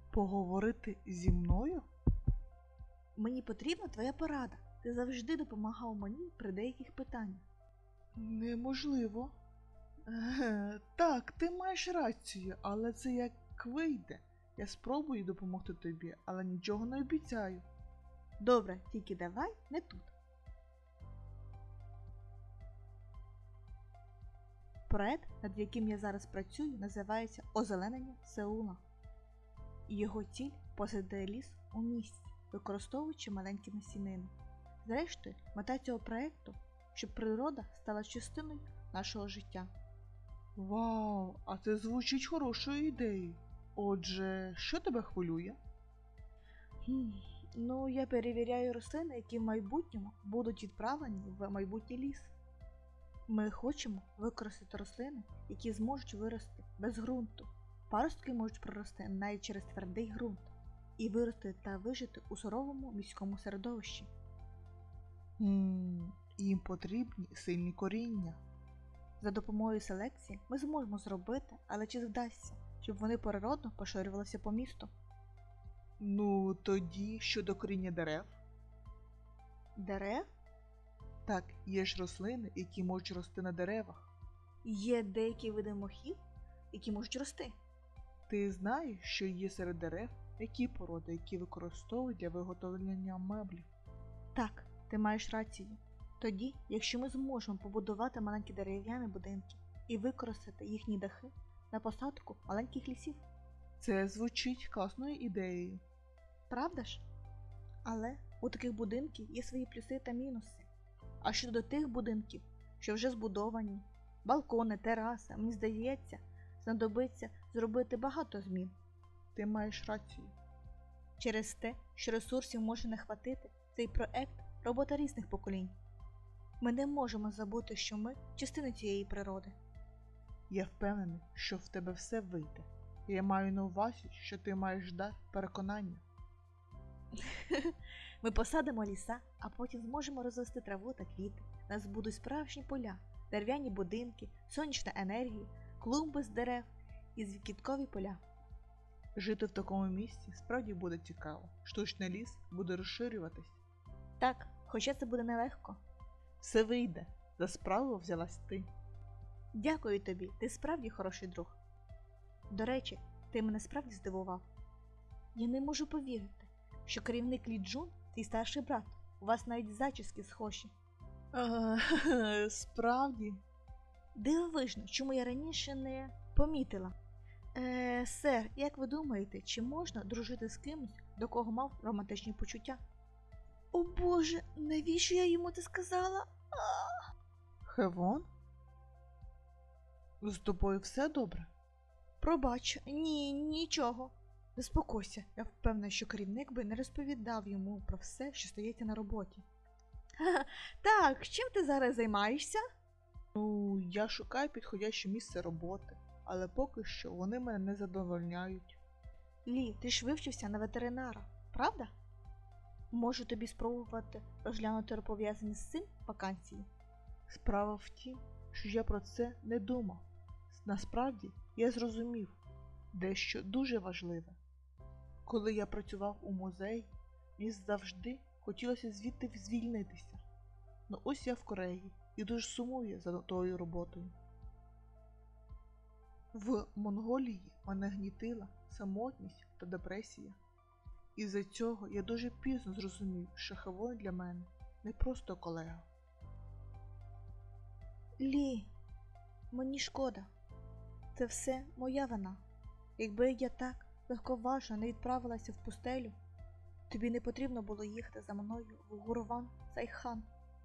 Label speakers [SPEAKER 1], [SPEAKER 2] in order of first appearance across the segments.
[SPEAKER 1] Поговорити зі мною?
[SPEAKER 2] Мені потрібна твоя порада. Ти завжди допомагав мені при деяких питаннях.
[SPEAKER 1] Неможливо. Так, ти маєш рацію, але це як вийде. Я спробую допомогти тобі, але нічого не обіцяю.
[SPEAKER 2] Добре, тільки давай не тут. Проект, над яким я зараз працюю, називається «Озеленення Сеула». І його ціль – посадити ліс у місті, використовуючи маленькі насінини. Зрештою, мета цього проекту – щоб природа стала частиною нашого життя.
[SPEAKER 1] Вау, а це звучить хорошою ідеєю. Отже, що тебе хвилює?
[SPEAKER 2] Я перевіряю рослини, які в майбутньому будуть відправлені в майбутній ліс. Ми хочемо використати рослини, які зможуть вирости без ґрунту. Паростки можуть прорости навіть через твердий ґрунт і вирости та вижити у суровому міському середовищі.
[SPEAKER 1] Їм потрібні сильні коріння.
[SPEAKER 2] За допомогою селекції ми зможемо зробити, але чи вдасться, щоб вони природно поширювалися по місту?
[SPEAKER 1] Тоді щодо коріння дерев?
[SPEAKER 2] Дерев?
[SPEAKER 1] Так, є ж рослини, які можуть рости на деревах.
[SPEAKER 2] Є деякі види мохів, які можуть рости.
[SPEAKER 1] Ти знаєш, що є серед дерев які породи, які використовують для виготовлення меблів?
[SPEAKER 2] Так, ти маєш рацію. Тоді, якщо ми зможемо побудувати маленькі дерев'яні будинки і використати їхні дахи на посадку маленьких лісів.
[SPEAKER 1] Це звучить класною ідеєю.
[SPEAKER 2] Правда ж? Але у таких будинків є свої плюси та мінуси. А щодо тих будинків, що вже збудовані, балкони, тераси, мені здається, знадобиться зробити багато змін.
[SPEAKER 1] Ти маєш рацію.
[SPEAKER 2] Через те, що ресурсів може не хватити, цей проект – робота різних поколінь. Ми не можемо забути, що ми – частина цієї природи.
[SPEAKER 1] Я впевнений, що в тебе все вийде. Я маю на увазі, що ти маєш дар переконання.
[SPEAKER 2] Ми посадимо ліса, а потім зможемо розвести траву та квіти. У нас будуть справжні поля, дерев'яні будинки, сонячна енергія, клумби з дерев і квіткові поля.
[SPEAKER 1] Жити в такому місці справді буде цікаво. Штучний ліс буде розширюватись.
[SPEAKER 2] Так, хоча це буде нелегко.
[SPEAKER 1] Все вийде. За справу взялась ти.
[SPEAKER 2] Дякую тобі, ти справді хороший друг. До речі, ти мене справді здивував. Я не можу повірити, що керівник Лі Джун – твій старший брат. У вас навіть зачіски схожі.
[SPEAKER 1] Справді?
[SPEAKER 2] Дивовижно, чому я раніше не помітила. Сер, як ви думаєте, чи можна дружити з кимось, до кого мав романтичні почуття? О Боже, навіщо я йому це сказала?
[SPEAKER 1] Хевон? З тобою все добре?
[SPEAKER 2] Пробач, нічого. Заспокойся, я впевнена, що керівник би не розповідав йому про все, що стається на роботі. Так, чим ти зараз займаєшся?
[SPEAKER 1] Я шукаю підходяще місце роботи, але поки що вони мене не задовольняють.
[SPEAKER 2] Лі, ти ж вивчився на ветеринара, правда? Можу тобі спробувати розглянути пов'язані з цим вакансії.
[SPEAKER 1] Справа в тім, що я про це не думав. Насправді, я зрозумів дещо дуже важливе. Коли я працював у музеї, мені завжди хотілося звідти звільнитися. Ось я в Кореї і дуже сумую за тою роботою. В Монголії мене гнітила самотність та депресія. Із-за цього я дуже пізно зрозумів, що Хевон для мене не просто колега.
[SPEAKER 2] Лі, мені шкода. Це все моя вина. Якби я так легковажно не відправилася в пустелю, тобі не потрібно було їхати за мною в Гурван Сайхан.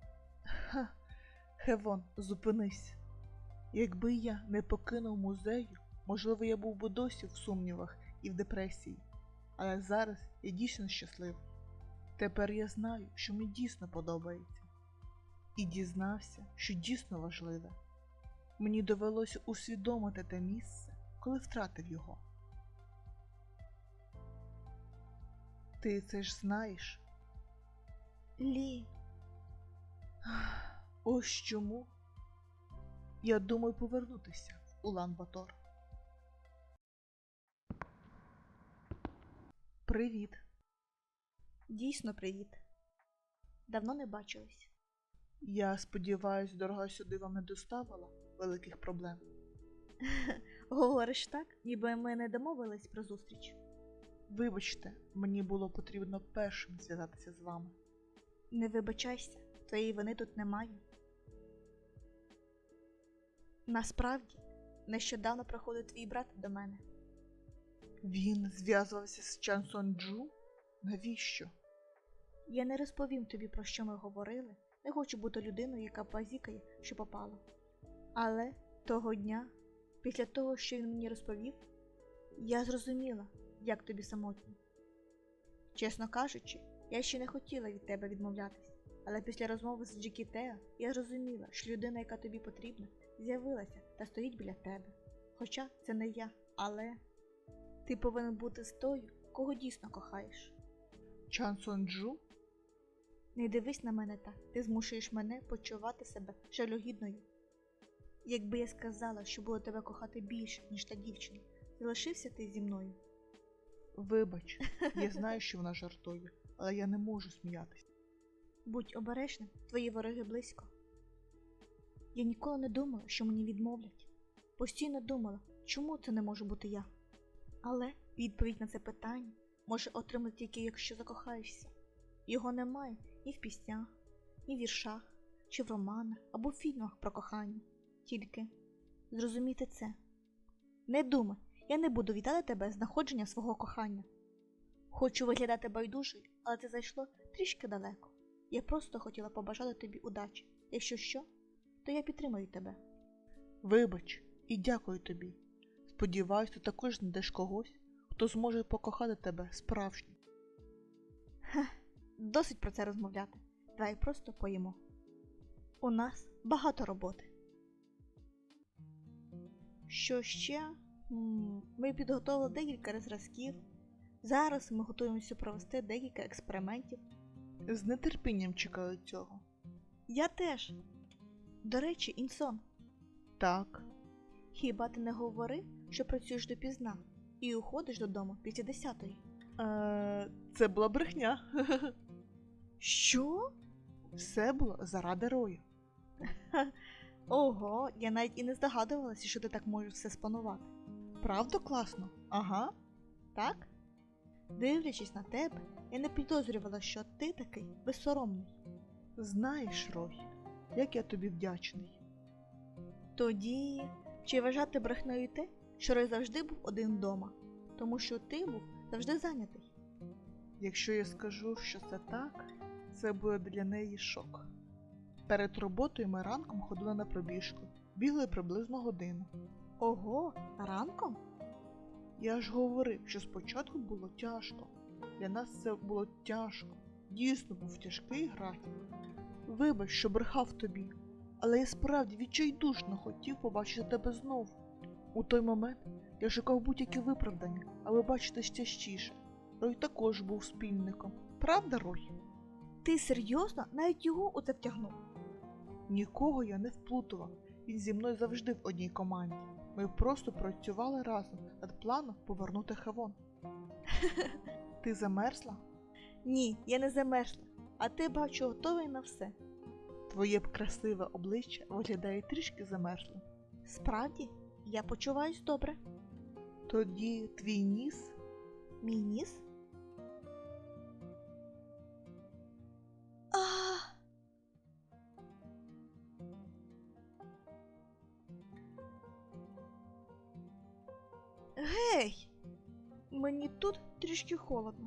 [SPEAKER 1] Хевон, зупинись. Якби я не покинув музею, можливо, я був би досі в сумнівах і в депресії. Але зараз я дійсно щасливий. Тепер я знаю, що мені дійсно подобається. І дізнався, що дійсно важливе. Мені довелося усвідомити те місце, коли втратив його. Ти це ж знаєш?
[SPEAKER 2] Лі.
[SPEAKER 1] Ось чому я думаю повернутися в Улан-Батор. Привіт.
[SPEAKER 2] Дійсно, привіт. Давно не бачились.
[SPEAKER 1] Я сподіваюсь, дорога сюди вам не доставила великих проблем.
[SPEAKER 2] Говориш так, ніби ми не домовились про зустріч.
[SPEAKER 1] Вибачте, мені було потрібно першим зв'язатися з вами.
[SPEAKER 2] Не вибачайся, твоєї вини тут немає. Насправді, нещодавно приходив твій брат до мене.
[SPEAKER 1] Він зв'язувався з Чан Сонджу? Навіщо?
[SPEAKER 2] Я не розповім тобі, про що ми говорили, не хочу бути людиною, яка базікає, що попало. Але того дня, після того, що він мені розповів, я зрозуміла, як тобі самотньо. Чесно кажучи, я ще не хотіла від тебе відмовлятись, але після розмови з Джекі Тео я зрозуміла, що людина, яка тобі потрібна, з'явилася та стоїть біля тебе. Хоча це не я, але ти повинен бути з тою, кого дійсно кохаєш.
[SPEAKER 1] Чан Сонджу?
[SPEAKER 2] Не дивись на мене так, ти змушуєш мене почувати себе жалюгідною. Якби я сказала, що буду тебе кохати більше, ніж та дівчина, залишився ти зі мною?
[SPEAKER 1] Вибач, я знаю, що вона жартує, але я не можу сміятись.
[SPEAKER 2] Будь обережним, твої вороги близько. Я ніколи не думала, що мені відмовлять. Постійно думала, чому це не може бути я. Але відповідь на це питання може отримати тільки, якщо закохаєшся. Його немає ні в піснях, ні в віршах, чи в романах або в фільмах про кохання. Тільки зрозумійте це. Не думай, я не буду вітати тебе з знаходження свого кохання. Хочу виглядати байдужою, але це зайшло трішки далеко. Я просто хотіла побажати тобі удачі. Якщо що, то я підтримую тебе.
[SPEAKER 1] Вибач і дякую тобі. Сподіваюсь, ти також знайдеш когось, хто зможе покохати тебе справжньо.
[SPEAKER 2] Досить про це розмовляти. Давай просто поїмо. У нас багато роботи. Що ще? Ми підготовили декілька зразків. Зараз ми готуємося провести декілька експериментів.
[SPEAKER 1] З нетерпінням чекаю цього.
[SPEAKER 2] Я теж. До речі, Інсон,
[SPEAKER 1] Так,
[SPEAKER 2] хіба ти не говорив, що працюєш допізна і уходиш додому після 10-ї?
[SPEAKER 1] це була брехня.
[SPEAKER 2] Що?
[SPEAKER 1] Все було заради Рою.
[SPEAKER 2] Ого, я навіть і не здогадувалася, що ти так можеш все спланувати.
[SPEAKER 1] Правда класно? Ага.
[SPEAKER 2] Так? Дивлячись на тебе, я не підозрювала, що ти такий безсоромний.
[SPEAKER 1] Знаєш, Рой, як я тобі вдячний.
[SPEAKER 2] Тоді, чи вважати брехнею те, що Рой завжди був один вдома, тому що ти був завжди зайнятий?
[SPEAKER 1] Якщо я скажу, що це так, це буде для неї шок. Перед роботою ми ранком ходили на пробіжку, бігли приблизно годину.
[SPEAKER 2] Ого, ранком?
[SPEAKER 1] Я ж говорив, що спочатку було тяжко. Для нас це було тяжко. Дійсно був тяжкий графік. Вибач, що брехав тобі, але я справді відчайдушно хотів побачити тебе знову. У той момент я шукав будь-які виправдання, аби бачитись частіше. Рой також був спільником. Правда, Рой?
[SPEAKER 2] Ти серйозно навіть його у це втягнув?
[SPEAKER 1] Нікого я не вплутував. Він зі мною завжди в одній команді. Ми просто працювали разом над планом повернути Хевон. Ти замерзла?
[SPEAKER 2] Ні, я не замерзла, а ти, бачу, готовий на все.
[SPEAKER 1] Твоє б красиве обличчя виглядає трішки замерзлим.
[SPEAKER 2] Справді, я почуваюсь добре.
[SPEAKER 1] Тоді твій ніс?
[SPEAKER 2] Мій ніс? Гей! Мені тут трішки холодно.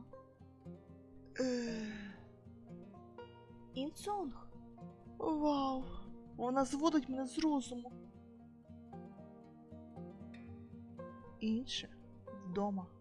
[SPEAKER 2] Інсонг,
[SPEAKER 1] Вау! Вона зводить мене з розуму. Інше вдома.